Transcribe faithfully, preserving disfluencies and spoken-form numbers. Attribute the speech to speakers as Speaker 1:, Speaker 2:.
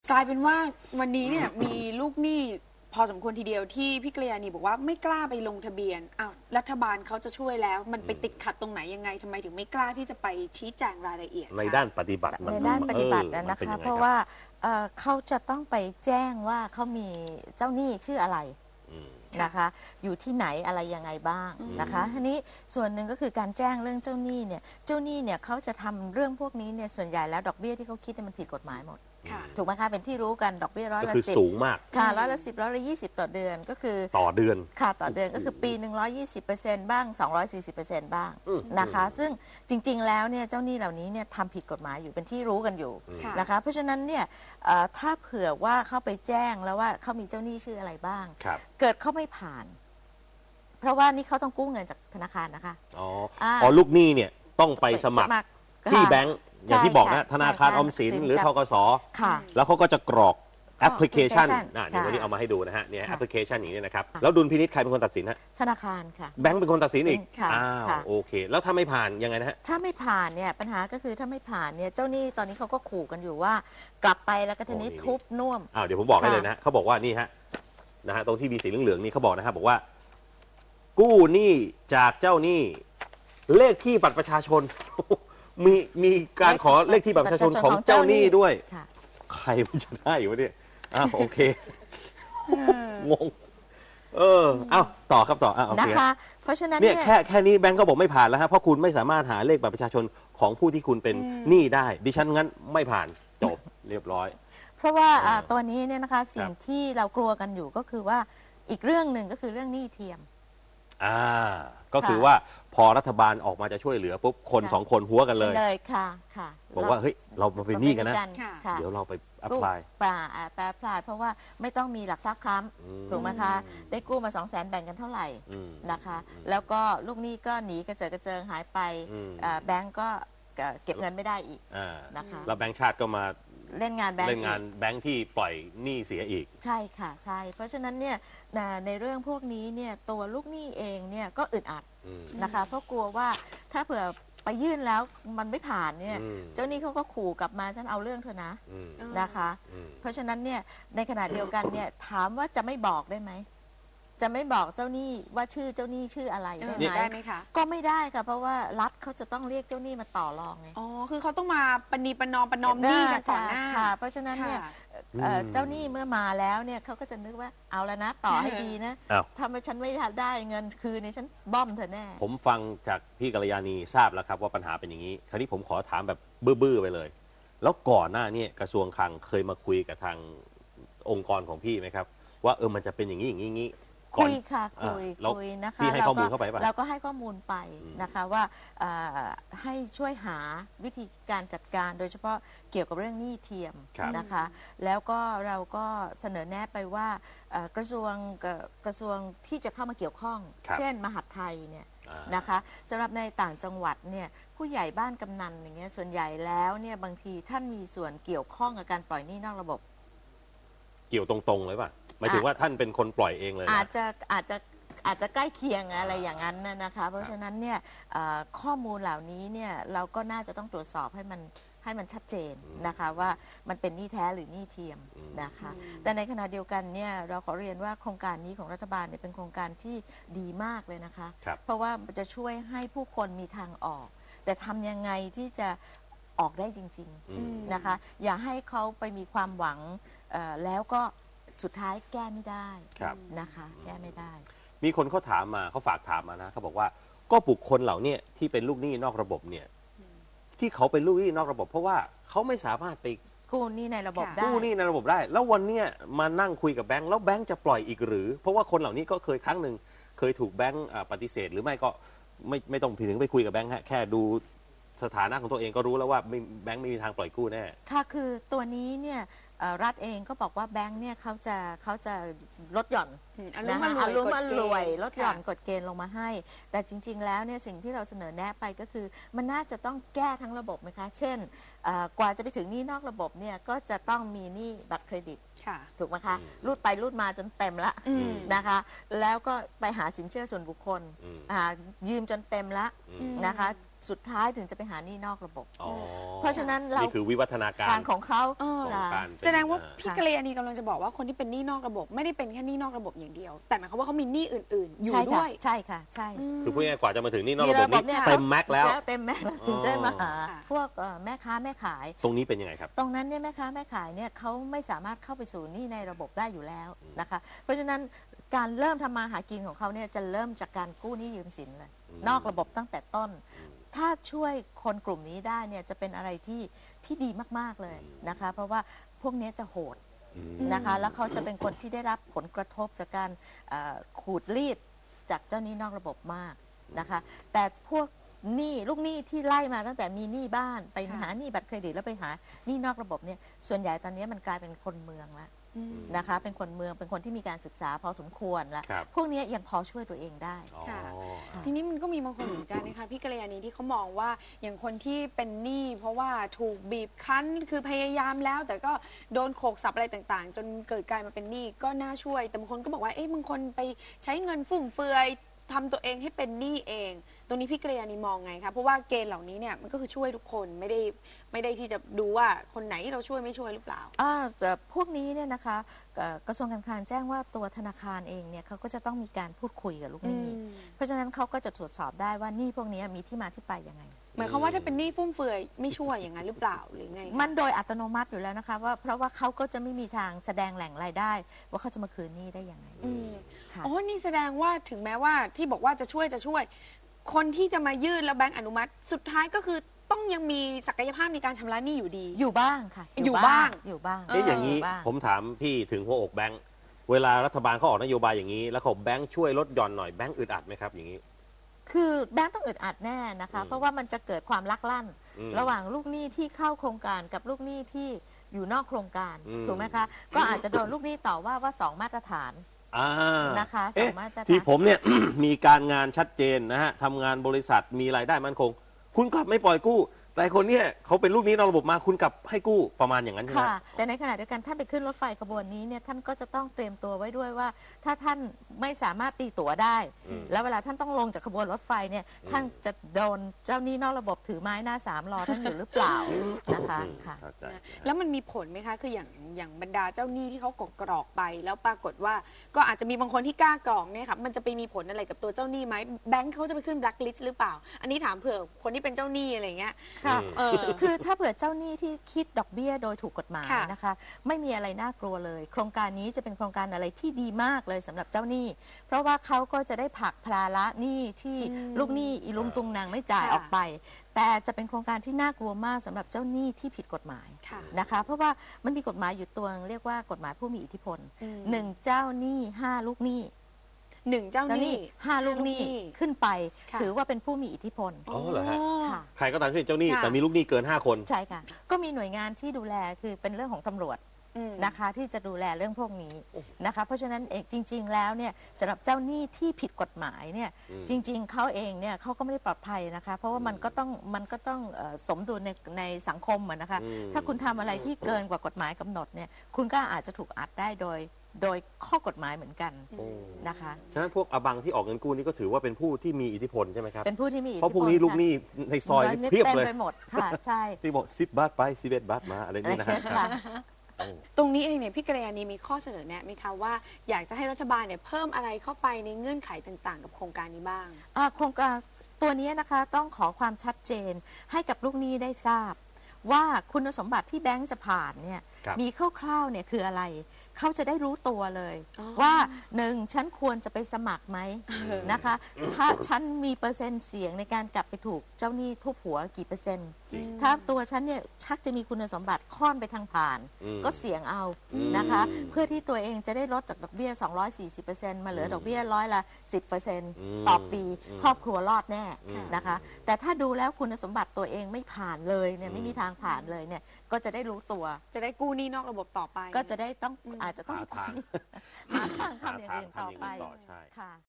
Speaker 1: กลายเป็นว่าวันนี้เนี่ยมีลูกหนี้พอสมควรทีเดียวที่พี่กัลยาณีบอกว่าไม่กล้าไปลงทะเบียนอ้าวรัฐบาลเขาจะช่วยแล้วมันไปติดขัดตรงไหนยังไงทำไมถึงไม่กล้าที่จะไปชี้แจงรายละเอียด
Speaker 2: ในด้านปฏิบัติ
Speaker 3: ในด้านปฏิบัตินะคะเพราะว่าเขาจะต้องไปแจ้งว่าเขามีเจ้าหนี้ชื่ออะไรนะคะอยู่ที่ไหนอะไรยังไงบ้างนะคะทีนี้ส่วนหนึ่งก็คือการแจ้งเรื่องเจ้าหนี้เนี่ยเจ้าหนี้เนี่ยเขาจะทำเรื่องพวกนี้เนี่ยส่วนใหญ่แล้วดอกเบี้ยที่เขาคิดมันผิดกฎหมายหมดถูกไหมคะเป็นที่รู้กันดอกเบี้ยร้อยละสิบก็คือ
Speaker 2: สูงมาก
Speaker 3: ค่ะร้อยละสิบร้อยละยี่สิบต่อเดือนก็คือ
Speaker 2: ต่อเดือน
Speaker 3: ค่ะต่อเดือนก็คือปีหนึ่งร้อยยี่สิบเปอร์เซ็นต์บ้างสองร้อยสี่สิบเปอร์เซ็นต์บ้างนะคะซึ่งจริงๆแล้วเนี่ยเจ้าหนี้เหล่านี้เนี่ยทำผิดกฎหมายอยู่เป็นที่รู้กันอยู่นะคะเพราะฉะนั้นเนี่ยถ้าเผื่อว่าเขาไปแจ้งแล้วว่าเขามีเจ้าหนี้ชื่ออะไรบ้างเกิดเขาไม่ผ่านเพราะว่านี่เขาต้องกู้เงินจากธนาคารนะคะ
Speaker 2: อ๋ออ๋อลูกหนี้เนี่ยต้องไปสมัครที่แบงก์อย่างที่บอกนะธนาคารออมสินหรือธกส.แล้วเขาก็จะกรอกแอปพลิเคชันอ่าเดี๋ยววันนี้เอามาให้ดูนะฮะเนี่ยแอปพลิเคชันอย่างนี้นะครับแล้วดุลพินิจใครเป็นคนตัดสินฮะ
Speaker 3: ธนาคารค่ะ
Speaker 2: แบงก์เป็นคนตัดสินอีกอ้าวโอเคแล้วถ้าไม่ผ่านยังไงนะฮะ
Speaker 3: ถ้าไม่ผ่านเนี่ยปัญหาก็คือถ้าไม่ผ่านเนี่ยเจ้าหนี้ตอนนี้เขาก็ขู่กันอยู่ว่ากลับไปแล้วก็ทีนี้ทุบน่วม
Speaker 2: อ้าวเดี๋ยวผมบอกให้เลยนะเขาบอกว่านี่ฮะนะฮะตรงที่มีสีเหลืองๆนี่เขาบอกนะครับบอกว่ากู้หนี้จากเจ้าหนี้เลขที่บัตรประชาชนมีมีการขอเลขที่บัตรประชาชนของเจ้าหนี้ด้วยใครมันจะได้วะเนี่ยอ้าวโอเคงงเออเอ้าต่อครับต่ออ่ะโอเค
Speaker 3: นะคะเพราะฉะนั้น
Speaker 2: เนี่ยแค่แค่นี้แบงก์ก็บอกไม่ผ่านแล้วฮะเพราะคุณไม่สามารถหาเลขบัตรประชาชนของผู้ที่คุณเป็นหนี้ได้ดิฉันงั้นไม่ผ่านจบเรียบร้อย
Speaker 3: เพราะว่าตัวนี้เนี่ยนะคะสิ่งที่เรากลัวกันอยู่ก็คือว่าอีกเรื่องหนึ่งก็คือเรื่องหนี้เทียม
Speaker 2: อ่าก็คือว่าพอรัฐบาลออกมาจะช่วยเหลือปุ๊บคนสองคนหัวกันเลย
Speaker 3: เลยค่ะค่ะ
Speaker 2: บอกว่าเฮ้ยเรามาเป็นหนี้กันนะเดี๋ยวเราไปแอพพลาย
Speaker 3: ป่าแอพพลายเพราะว่าไม่ต้องมีหลักทรัพย์ค้ำถูกไหมคะได้กู้มาสองแสนแบ่งกันเท่าไหร่นะคะแล้วก็ลูกหนี้ก็หนีกระเจิดกระเจิงหายไปแบงก์ก็เก็บเงินไม่ได้อีกนะคะ
Speaker 2: แล้วแบงก์ชาติก็มา
Speaker 3: เล่นงานแบงก์
Speaker 2: เล่นงานแบงก์ที่ปล่อยหนี้เสียอีก
Speaker 3: ใช่ค่ะใช่เพราะฉะนั้นเนี่ยในเรื่องพวกนี้เนี่ยตัวลูกหนี้เองเนี่ยก็อึดอัดนะคะเพราะกลัวว่าถ้าเผื่อไปยื่นแล้วมันไม่ผ่านเนี่ยเจ้าหนี้เขาก็ขู่กลับมาฉันเอาเรื่องเธอนะนะคะเพราะฉะนั้นเนี่ยในขณะเดียวกันเนี่ยถามว่าจะไม่บอกได้ไหมจะไม่บอกเจ้าหนี้ว่าชื่อเจ้าหนี้ชื่ออะไรได้ไหม
Speaker 1: ได้ไหมคะ
Speaker 3: ก็ไม่ได้ค่ะเพราะว่ารัฐเขาจะต้องเรียกเจ้าหนี้มาต่อรองไง
Speaker 1: อ๋อคือเขาต้องมาปณีประนอมประนอมหนี้กันก่อนหน้า
Speaker 3: ค่ะเพราะฉะนั้นเนี่ยเจ้าหนี้เมื่อมาแล้วเนี่ยเขาก็จะนึกว่าเอาแล้วนะต่อให้ดีนะถ้าไม่ฉันไม่ได้เงินคืนเนี่ยฉันบ้อมเธอแน่
Speaker 2: ผมฟังจากพี่กัลยาณีทราบแล้วครับว่าปัญหาเป็นอย่างนี้คราวนี้ผมขอถามแบบบื้อๆไปเลยแล้วก่อนหน้านี้กระทรวงคลังเคยมาคุยกับทางองค์กรของพี่ไหมครับว่าเออมันจะเป็นอย่างนี้อย่างนี้
Speaker 3: คุยค่ะคุยคุยนะคะ
Speaker 2: เราก็
Speaker 3: เราก็ให้ข้อมูลไปนะคะว่าให้ช่วยหาวิธีการจัดการโดยเฉพาะเกี่ยวกับเรื่องหนี้เทียมนะคะแล้วก็เราก็เสนอแนะไปว่ากระทรวงกระทรวงที่จะเข้ามาเกี่ยวข้องเช่นมหาดไทยเนี่ยนะคะสำหรับในต่างจังหวัดเนี่ยผู้ใหญ่บ้านกำนันอย่างเงี้ยส่วนใหญ่แล้วเนี่ยบางทีท่านมีส่วนเกี่ยวข้องกับการปล่อยหนี้นอกระบบ
Speaker 2: เกี่ยวตรงๆเลยป่ะหมายถึงว่าท่านเป็นคนปล่อยเองเลย
Speaker 3: อาจจะอาจจะอาจจะใกล้เคียงอะไรอย่างนั้นนะคะเพราะฉะนั้นเนี่ยข้อมูลเหล่านี้เนี่ยเราก็น่าจะต้องตรวจสอบให้มันให้มันชัดเจนนะคะว่ามันเป็นหนี้แท้หรือหนี้เทียมนะคะแต่ในขณะเดียวกันเนี่ยเราขอเรียนว่าโครงการนี้ของรัฐบาลเนี่ยเป็นโครงการที่ดีมากเลยนะคะเพราะว่าจะช่วยให้ผู้คนมีทางออกแต่ทำยังไงที่จะออกได้จริงๆนะคะอย่าให้เขาไปมีความหวังแล้วก็สุดท้ายแก้ไม่ได้นะคะแก้ไม่ได้
Speaker 2: มีคนเขาถามมาเขาฝากถามมานะเขาบอกว่าก็บุคคลเหล่านี้ที่เป็นลูกหนี้นอกระบบเนี่ยที่เขาเป็นลูกหนี้นอกระบบเพราะว่าเขาไม่สามารถไป
Speaker 3: กู้หนี้ในระบบได้
Speaker 2: กู้หนี้ในระบบได้แล้ววันเนี้ยมานั่งคุยกับแบงค์แล้วแบงค์จะปล่อยอีกหรือเพราะว่าคนเหล่านี้ก็เคยครั้งหนึ่งเคยถูกแบงค์ปฏิเสธหรือไม่ก็ไม่ไม่ต้องถึงไปคุยกับแบงค์ฮะแค่ดูสถานะของตัวเองก็รู้แล้วว่าแบงค์ไม่มีทางปล่อยกู้แน่
Speaker 3: ค่ะคือตัวนี้เนี่ยรัฐเองก็บอกว่าแบงค์เนี่ยเขาจะเขาจะลดหย่อนนะคะอารมณ์มันรวยลดหย่อนกฎเกณฑ์ลงมาให้แต่จริงๆแล้วเนี่ยสิ่งที่เราเสนอแนะไปก็คือมันน่าจะต้องแก้ทั้งระบบไหมคะเช่นกว่าจะไปถึงหนี้นอกระบบเนี่ยก็จะต้องมีหนี้บัตรเครดิตถูกไหมคะรูดไปรูดมาจนเต็มละนะคะแล้วก็ไปหาสินเชื่อส่วนบุคคลยืมจนเต็มละนะคะสุดท้ายถึงจะไปหาหนี้นอกระบบ
Speaker 2: อ๋อ
Speaker 3: เพราะฉะนั้นเรา
Speaker 2: นี่คือวิวัฒนาการ
Speaker 3: ทางของเขา
Speaker 1: เออ
Speaker 2: ของการเป็น
Speaker 1: แสดงว่า
Speaker 2: อ่า
Speaker 1: พี่กัลยาณีกำลังจะบอกว่าคนที่เป็นหนี้นอกระบบ ไม่ได้เป็นแค่หนี้นอกระบบอย่างเดียว แต่หมายความว่าเขามีหนี้อื่น ๆ อยู่
Speaker 3: ใช่
Speaker 1: ด้
Speaker 3: ค่ะ
Speaker 1: วย
Speaker 3: ใช่ค่ะใช่
Speaker 1: ม
Speaker 2: คือพูดง่ายๆกว่าจะมาถึงนี่นอก
Speaker 3: มี
Speaker 2: ระบบ
Speaker 3: ระบบเนี่
Speaker 2: นี้
Speaker 3: ย
Speaker 2: เต็มแม็กซ์แล้ว
Speaker 3: เต็มแม็กซ์แล้วถึงได้มาหา
Speaker 1: ค่ะ
Speaker 3: พวกเอ่อแม่ค้าแม่ขาย
Speaker 2: ตรงนี้เป็นยังไงครับ
Speaker 3: ตรงนั้นเนี่ยแม่ค้าแม่ขายเนี่ยเขาไม่สามารถเข้าไปสู่หนี้ในระบบได้อยู่แล้วนะคะ เพราะฉะนั้นการเริ่มทำมาหากินของเขาเนี่ยจะเริ่มจากการกู้หนี้ยืมสินเลย
Speaker 2: อืม
Speaker 3: นอกระบบตั้งแต่ต้น ถ้าช่วยคนกลุ่มนี้ได้เนี่ยจะเป็นอะไรที่ที่ดีมากๆเลยนะคะ เพราะว่าพวกเนี้ยจะโหด
Speaker 2: อืม
Speaker 3: นะคะแล้วเขาจะเป็นคนที่ได้รับผลกระทบจากการเอ่อขูดรีดจากเจ้าหนี้นอกระบบมากนะคะ แต่พวกหนี้ลูกหนี้ที่ไล่มาตั้งแต่มีหนี้บ้านไป
Speaker 1: ค่ะ
Speaker 3: หาหนี้บัตรเครดิตแล้วไปหาหนี้นอกระบบเนี่ยส่วนใหญ่ตอนนี้มันกลายเป็นคนเมืองแล้ว
Speaker 1: อืม
Speaker 3: นะคะ เป็นคนเมืองเป็นคนที่มีการศึกษาพอสมควรแล้ว
Speaker 2: ครับ
Speaker 3: พวกเนี้ยยังพอช่วยตัวเองได้
Speaker 2: อ๋อ
Speaker 1: ค่ะ
Speaker 3: ค่ะ
Speaker 1: ทีนี้มันก็มีบางคนเหมือนกันนะคะพี่กัลยาณีที่เขามองว่าอย่างคนที่เป็นหนี้เพราะว่าถูกบีบคั้นคือพยายามแล้ว แต่ก็โดนโขกสับอะไรต่างๆ จนเกิดกลายมาเป็นหนี้ก็น่าช่วย แต่บางคนก็บอกว่าเอ๊ะบางคนไปใช้เงินฟุ่มเฟือยทำตัวเองให้เป็นหนี้เอง ตรงนี้พี่กัลยาณีมองไงคะเพราะว่าเกณฑ์เหล่านี้เนี่ยมันก็คือช่วยทุกคนไม่ได้ไม่ได้ที่จะดูว่าคนไหนที่เราช่วยไม่ช่วยหรือเปล่า
Speaker 3: อ่าแต่พวกนี้เนี่ยนะคะเอ่อกระทรวงการคลังแจ้งว่าตัวธนาคารเองเนี่ยเขาก็จะต้องมีการพูดคุยกับลูกหนี้
Speaker 1: อืม
Speaker 3: เพราะฉะนั้นเขาก็จะตรวจสอบได้ว่าหนี้พวกนี้มีที่มาที่ไปยังไง
Speaker 1: หมายความว่าถ้าเป็นหนี้ฟุ่มเฟือยไม่ช่วยอย่างนั้นหรือเปล่าหรือไงคะ
Speaker 3: มันโดยอัตโนมัติอยู่แล้วนะคะว่าเพราะว่าเขาก็จะไม่มีทางแสดงแหล่งรายได้ ว่าเขาจะมาคืนหนี้ได้ยังไง
Speaker 1: อืม
Speaker 3: ค่ะ
Speaker 1: อ๋อ นี่แสดงว่าถึงแม้ว่าที่บอกว่าจะช่วยจะช่วย คนที่จะมายื่นแล้วแบงก์อนุมัติ สุดท้ายก็คือต้องยังมีศักยภาพในการชำระหนี้อยู่ดี
Speaker 3: อยู่บ้างค่ะ
Speaker 1: อยู่บ้าง
Speaker 3: อยู่บ้าง
Speaker 2: เอ๊ะอย่างนี้
Speaker 3: นี้บ้าง
Speaker 2: ผมถามพี่ถึงหัวอกแบงค์เวลารัฐบาลเขาออกนโยบายอย่างนี้ แล้วเขาแบงค์ช่วยลดหย่อนหน่อยแบงค์อึดอัดไหมครับอย่างนี้
Speaker 3: คือแบงก์ต้องอึดอัดแน่นะคะ
Speaker 2: อืม
Speaker 3: เพราะว่ามันจะเกิดความลักลั่น
Speaker 2: อืม
Speaker 3: ระหว่างลูกหนี้ที่เข้าโครงการกับลูกหนี้ที่อยู่นอกโครงการ
Speaker 2: อืม
Speaker 3: ถูกไหมคะ ก็อาจจะโดนลูกหนี้ต่อว่าว่าสองมาตรฐาน
Speaker 2: อ่า
Speaker 3: นะคะสอ
Speaker 2: เอ๊ะ
Speaker 3: งมาตรฐาน
Speaker 2: ที่ผมเนี่ย มีการงานชัดเจนนะฮะทำงานบริษัทมีรายได้มั่นคง คุณกลับไม่ปล่อยกู้ แต่คนเนี้ยเขาเป็นลูกหนี้นอกระบบมาคุณกลับให้กู้ประมาณอย่างนั้นใช่ไหม
Speaker 3: ค่ะ แต่ในขณะเดียวกันท่านไปขึ้นรถไฟขบวนนี้เนี่ยท่านก็จะต้องเตรียมตัวไว้ด้วยว่า ถ้าท่านไม่สามารถตีตั๋วได้
Speaker 2: อืม
Speaker 3: แล้วเวลาท่านต้องลงจากขบวนรถไฟเนี่ยท่านจะโดนเจ้าหนี้นอกระบบถือไม้หน้าสามรอท่านอยู่หรือเปล่านะคะ
Speaker 2: อืม
Speaker 3: ค่ะ
Speaker 2: เข้าใจ
Speaker 1: นะแล้วมันมีผลไหมคะ คืออย่างอย่างบรรดาเจ้าหนี้ที่เขากดกรอกไป แล้วปรากฏว่าก็อาจจะมีบางคนที่กล้ากรอกเนี่ยค่ะมันจะไปมีผลอะไรกับตัวเจ้าหนี้ไหมแบงค์เขาจะไปขึ้นแบล็คลิสต์หรือเปล่า อันนี้ถามเผื่อคนที่เป็นเจ้าหนี้อะไรเงี้ย
Speaker 3: ค่ะ
Speaker 1: เออ
Speaker 3: คือถ้าเผื่อเจ้าหนี้ที่คิดดอกเบี้ยโดยถูกกฎหมาย
Speaker 1: ค่ะ
Speaker 3: นะคะ ไม่มีอะไรน่ากลัวเลย โครงการนี้จะเป็นโครงการอะไรที่ดีมากเลยสำหรับเจ้าหนี้ เพราะว่าเขาก็จะได้ผลักภาระหนี้ที่
Speaker 1: อืม
Speaker 3: ลูกหนี้อีลุงตุงนางไม่จ่าย
Speaker 1: ค่ะ
Speaker 3: ออกไป แต่จะเป็นโครงการที่น่ากลัวมากสำหรับเจ้าหนี้ที่ผิดกฎหมาย
Speaker 1: ค่ะ
Speaker 3: นะคะ เพราะว่ามันมีกฎหมายอยู่ตัวเรียกว่ากฎหมายผู้มีอิทธิพล
Speaker 1: อืม
Speaker 3: หนึ่งเจ้าหนี้ห้าลูกหนี้
Speaker 1: หนึ่งเจ้า
Speaker 3: เจ้า
Speaker 1: ห
Speaker 3: ห
Speaker 1: นี้
Speaker 3: นี้ห้าลูกหนี้ขึ้นไป
Speaker 1: ค่ะ
Speaker 3: ถือว่าเป็นผู้มีอิทธิพล
Speaker 2: อ๋อเหรอฮะ
Speaker 3: ค่ะ
Speaker 2: ใครก็ตามที่เป็นเจ้าหนี้
Speaker 1: ค่ะ
Speaker 2: แต่มีลูกหนี้เกินห้าคน
Speaker 3: ใช่ค่ะ ก็มีหน่วยงานที่ดูแลคือเป็นเรื่องของตำรวจ
Speaker 1: อืม
Speaker 3: นะคะที่จะดูแลเรื่องพวกนี้นะคะ เพราะฉะนั้นเองจริง ๆ แล้วเนี่ยสำหรับเจ้าหนี้ที่ผิดกฎหมายเนี่ย
Speaker 2: อืม
Speaker 3: จริง ๆเขาเองเนี่ยเขาก็ไม่ได้ปลอดภัยนะคะ เพราะว่ามันก็ต้องมันก็ต้องเอ่อสมดุลในในสังคมอะนะคะ
Speaker 2: อืม
Speaker 3: ถ้าคุณทำอะไรที่เกินกว่ากฎหมายกำหนดเนี่ยคุณก็อาจจะถูกอัดได้โดยโดยข้อกฎหมายเหมือนกัน
Speaker 2: โอ้
Speaker 3: นะคะ
Speaker 2: ฉะนั้นพวกอบังที่ออกเงินกู้นี่ก็ถือว่าเป็นผู้ที่มีอิทธิพลใช่ไหมครับ
Speaker 3: เป็นผู้ที่มีอิท
Speaker 2: เพ
Speaker 3: ธิพล
Speaker 2: ราะพวกนี้ลูกหนี้ในซอยนี่เพียบ
Speaker 3: เต็ม
Speaker 2: เลย
Speaker 3: ไปหมดค่ะใช่
Speaker 2: ที่บอกสิบบาทไปสิบเอ็ดบาทมาอะไร
Speaker 3: อะไร
Speaker 2: นี่นะฮะ
Speaker 3: ค่ะ
Speaker 2: โอ้
Speaker 1: ตรงนี้เองเนี่ยพี่กัลยาณีมีข้อเสนอแนะไหมคะว่าอยากจะให้รัฐบาลเนี่ยเพิ่มอะไรเข้าไปในเงื่อนไขต่างๆ กับโครงการนี้บ้าง
Speaker 3: อ่าโครงการตัวนี้นะคะต้องขอความชัดเจนให้กับลูกหนี้ได้ทราบ ว่าคุณสมบัติที่แบงก์จะผ่านเนี่ย
Speaker 2: ครับ
Speaker 3: มีคร่าวๆเนี่ยคืออะไร เขาจะได้รู้ตัวเลย
Speaker 1: อ๋อ
Speaker 3: ว่าหนึ่งฉันควรจะไปสมัครไหม
Speaker 1: เออ
Speaker 3: นะคะ ถ้าฉันมีเปอร์เซ็นต์เสียงในการกลับไปถูกเจ้าหนี้ทุบหัวกี่เปอร์เซ็นต์
Speaker 2: จริง
Speaker 3: ถ้าตัวฉันเนี่ยชักจะมีคุณสมบัติค่อนไปทางผ่าน
Speaker 2: อืม
Speaker 3: ก็เสี่ยงเอา
Speaker 2: อืม
Speaker 3: นะคะ เพื่อที่ตัวเองจะได้ลดจากดอกเบี้ย สองร้อยสี่สิบเปอร์เซ็นต์ มาเหลือดอกเบี้ยร้อยละ สิบเปอร์เซ็นต์
Speaker 2: อืม
Speaker 3: ต่อปี
Speaker 2: อืม
Speaker 3: ครอบครัวรอดแน่
Speaker 2: อืม
Speaker 3: นะคะ แต่ถ้าดูแล้วคุณสมบัติตัวเองไม่ผ่านเลยเนี่ยไม่มี
Speaker 2: อืม
Speaker 3: ทางผ่านเลยเนี่ยก็จะได้รู้ตัว
Speaker 1: จะได้กู้หนี้นอกระบบต่อไป
Speaker 3: ก็จะได้ต้อง
Speaker 1: อืม
Speaker 3: อาจจะต้อง
Speaker 2: หาทาง
Speaker 3: หาทางทำอย่างอื่นต่อไป
Speaker 2: หาทางทำอย่างอื่นต่อใช่
Speaker 3: ค่ะ